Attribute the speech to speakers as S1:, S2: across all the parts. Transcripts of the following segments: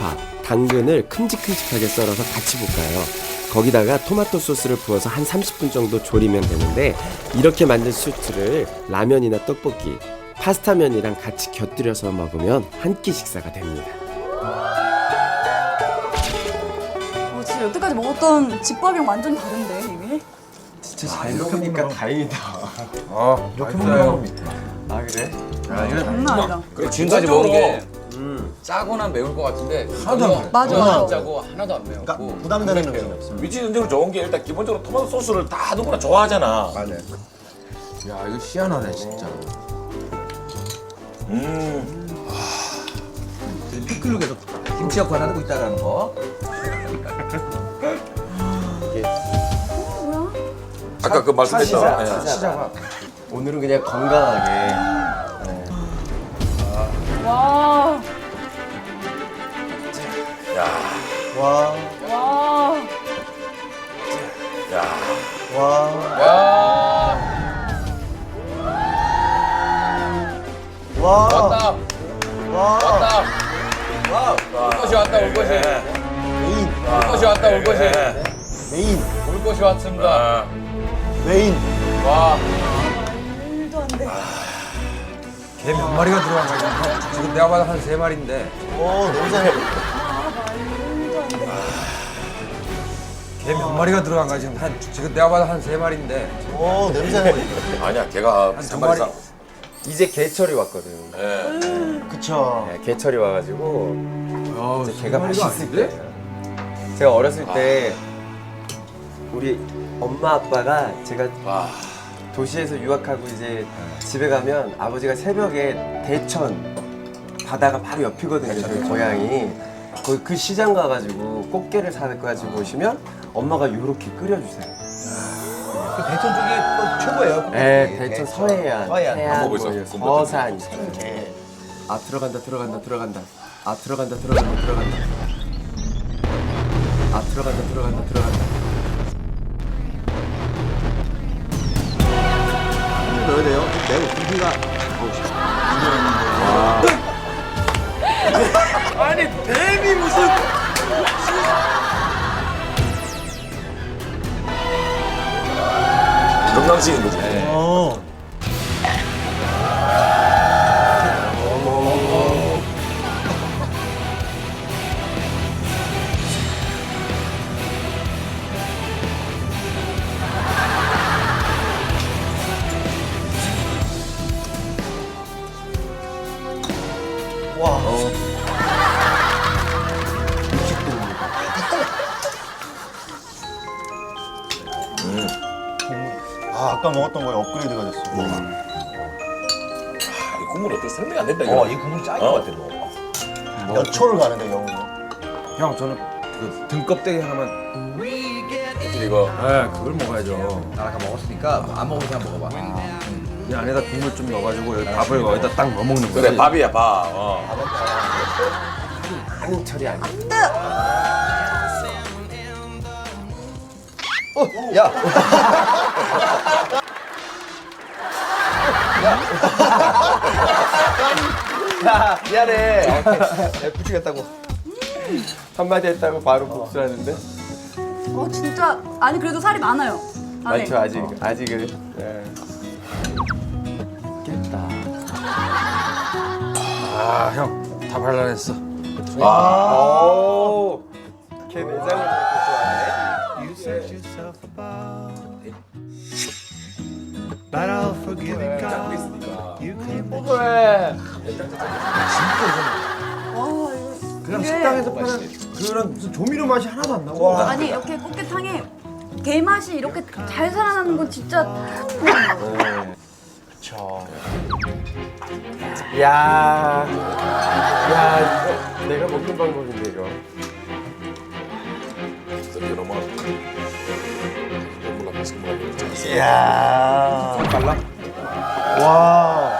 S1: 양파, 당근을 큼직큼직하게 썰어서 같이 볶아요. 거기다가 토마토 소스를 부어서 한 30분 정도 졸이면 되는데 이렇게 만든 스튜를 라면이나 떡볶이, 파스타면이랑 같이 곁들여서 먹으면 한 끼 식사가 됩니다.
S2: 진짜 여태까지 먹었던 집밥이랑 완전 다른데 이게?
S1: 진짜 잘 먹으니까 다행이다.
S3: 이렇게 먹어요.
S1: 아 그래?
S2: 장난 아니다.
S4: 그래 지금까지 먹은 게 짜거나 매울 것 같은데
S3: 하나도 안 매워.
S2: 맞아.
S4: 안 짜고 하나도 안 매웠고
S3: 그러니까 부담되는 느낌이 없어.
S5: 위치 선정은 좋은 게 일단 기본적으로 토마토 소스를 다 누구나 좋아하잖아.
S3: 맞아요.
S6: 야 이거 희한하네 진짜.
S3: 피클로 계속 김치 역할을 하고 있다라는 거.
S5: 아까 그 말씀했던
S1: 시작. 오늘은 그냥 건강하게.
S2: 와.
S3: 와,
S2: 와.
S3: 와.
S4: 야
S3: 와.
S4: 왔다
S3: 와.
S4: 왔다 올 것이 왔다 올 것이
S3: 메인.
S4: 올 것이 왔다 올 것이
S3: 메인.
S4: 올 것이 왔습니다.
S3: 메인.
S4: 와
S2: 말도 안 돼.
S6: 개 몇 마리가 들어간 거야? 지금 내가 봐도 한 3마리인데.
S3: 냄새.
S2: 말도 안 돼.
S6: 개 몇 마리가 들어간 거야 지금 내가 봐도 한 3마리인데.
S3: 냄새.
S5: 아니야 걔가
S6: 한
S5: 한
S6: 2마리.
S5: 마리
S1: 이제 개철이 왔거든.
S3: 그쵸.
S1: 네, 개철이 와가지고 이제 개가
S6: 마리가
S1: 맛있을
S6: 아닌데?
S1: 때예요. 제가 어렸을 때 우리 엄마 아빠가 제가 도시에서 유학하고 이제 집에 가면 아버지가 새벽에 대천 바다가 바로 옆이거든요. 저희 고향이. 거기 그 시장 가가지고 꽃게를 사가지고 오시면 엄마가 요렇게 끓여주세요.
S3: 그 대천 쪽이 또 최고예요.
S1: 네, 대천 서해안,
S3: 서해안.
S1: 해안,
S5: 안 먹어보고
S1: 뭐
S5: 있어.
S1: 서산, 생계. 아 들어간다. 아 들어간다. 아 들어간다.
S3: 넣어야 돼요. 매우 고기가.
S6: 아니 뱀이 무슨?
S5: 건강식인 거지.
S3: 와. 아까 먹었던 거에 업그레이드가 됐어.
S5: 이 국물 어떻게 설명이 안 된다 이거.
S3: 이 국물이 짱인 것 같아, 너. 연초를 가는데, 영으로.
S6: 형 저는 그 등껍데기 하나만.
S5: 이거
S6: 네 그걸 먹어야죠.
S3: 나 아까 먹었으니까 안 먹은 사람 먹어봐.
S6: 이 안에다 국물 좀 넣어가지고 여기 밥을 거기다 딱 넣어 먹는 거지.
S5: 그래 밥이야 밥.
S1: 한철이 아니야.
S3: 야!
S1: 야 미안해. 붙이겠다고. 한마디 했다고 바로 복수하는데.
S2: 진짜 아니 그래도 살이 많아요. 안에.
S1: 많죠 아직은. 네. 깼다.
S6: 아 형 다 발라냈어.
S1: 오. 걔 내장을 그렇게 좋아해?
S7: But I'll forgive it, God. You claim that
S1: 왜?
S6: 그냥
S2: 이게-
S6: 식당에서 파는 그런 무슨 조미료 맛이 하나도 안 나고.
S2: 아니 이렇게 꽃게탕에 게 맛이 이렇게 잘 살아나는 건 진짜
S1: 야, 이거 내가 먹는 방법인데 이거.
S5: 이거 너무 너무 맛있게 먹어.
S3: 이야. 빨라? 와.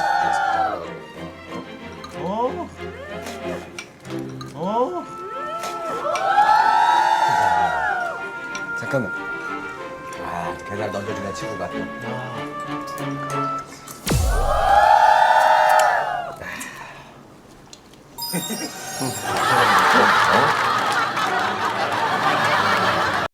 S6: 잠깐만.
S3: 계란 던져주는 친구가.
S5: 어?